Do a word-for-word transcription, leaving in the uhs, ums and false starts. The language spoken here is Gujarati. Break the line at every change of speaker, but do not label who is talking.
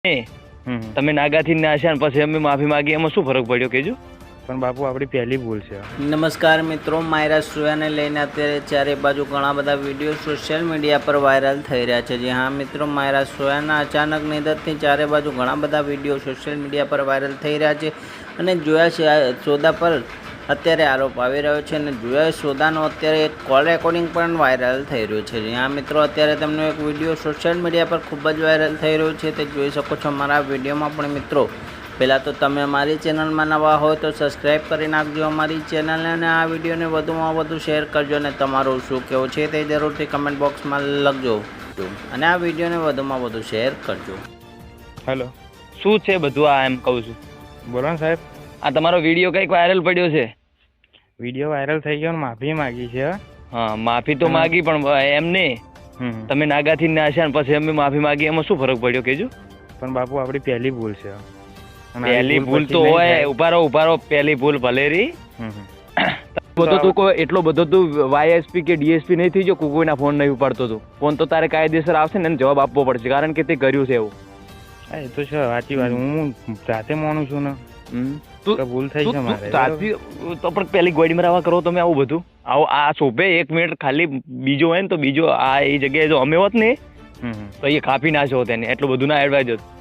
એ તમે નાગાથી નાશ્યા ને પછી અમે માફી માંગી, એમાં શું ફરક પડ્યો કેજો?
પણ બાપુ આપણી પહેલી ભૂલ છે.
નમસ્કાર મિત્રો, માયરા સોયાને લઈને અત્યારે ચારે બાજુ ઘણા બધા વિડીયો સોશિયલ મીડિયા પર વાયરલ થઈ રહ્યા છે. જી હા મિત્રો, માયરા સોયાના અચાનક નિધનથી ચારે બાજુ ઘણા બધા વિડીયો સોશિયલ મીડિયા પર વાયરલ થઈ રહ્યા છે અને જોયા છે સોદા પર અત્યારે આરોપ આવી રહ્યો છે અને જોયા સોદાનો અત્યારે એક કોલ રેકોર્ડિંગ પણ વાયરલ થઈ રહ્યું છે. જી હા મિત્રો, અત્યારે તેમનો એક વિડીયો સોશિયલ મીડિયા પર ખૂબ જ વાયરલ થઈ રહ્યો છે, તે જોઈ શકો છો મારા વિડીયોમાં. પણ મિત્રો, પહેલાં તો તમે અમારી ચેનલમાં નવા હોય તો સબસ્ક્રાઈબ કરી નાખજો અમારી ચેનલને અને આ વિડીયોને વધુમાં વધુ શેર કરજો અને તમારું શું કહેવું છે તે જરૂરથી કમેન્ટ બોક્સમાં લખજો અને આ વિડીયોને વધુમાં વધુ શેર કરજો.
હેલો,
શું છે બધું આ? એમ કહું છું,
બોલો ને સાહેબ.
આ તમારો વિડીયો કંઈક વાયરલ પડ્યો છે.
વિડીયો વાયરલ થઈ ગયો ને માફી માગી છે.
હા, માફી તો માગી, પણ એમને તમે નાગાથી નાશ્યા ને પછી અમે માફી માગી, એમાં શું ફરક પડ્યો કેજો?
પણ બાપુ આપણી પહેલી ભૂલ છે.
પહેલી ભૂલ તો હોય, ઉભારો ઉભારો પહેલી ભૂલ ભલે રી. બધો તું કોઈ એટલો બધો તું વાયએસપી કે ડીએસપી નહીં થઈ ગયો, કોઈના ફોન નહીં ઉપાડતો તું. ફોન તો તારે કાયદેસર આવશે ને, એને જવાબ આપવો પડશે, કારણ કે તે કર્યું છે એવું.
હા, એ તો છે, સાચી વાત. હું જાતે માનું છું ને. તું ભૂલ થઈ છે મારે.
સાચી તો પણ પેલી ગોડી મરાવા કરો તમે આવું બધું? આવો આ શોભે એક મિનિટ ખાલી બીજો હોય ને તો બીજો આ એ જગ્યાએ જો અમે હોત ને તો એ કાપી નાખ્યો હોત એને. એટલું બધું ના એડવાઇઝ હતું.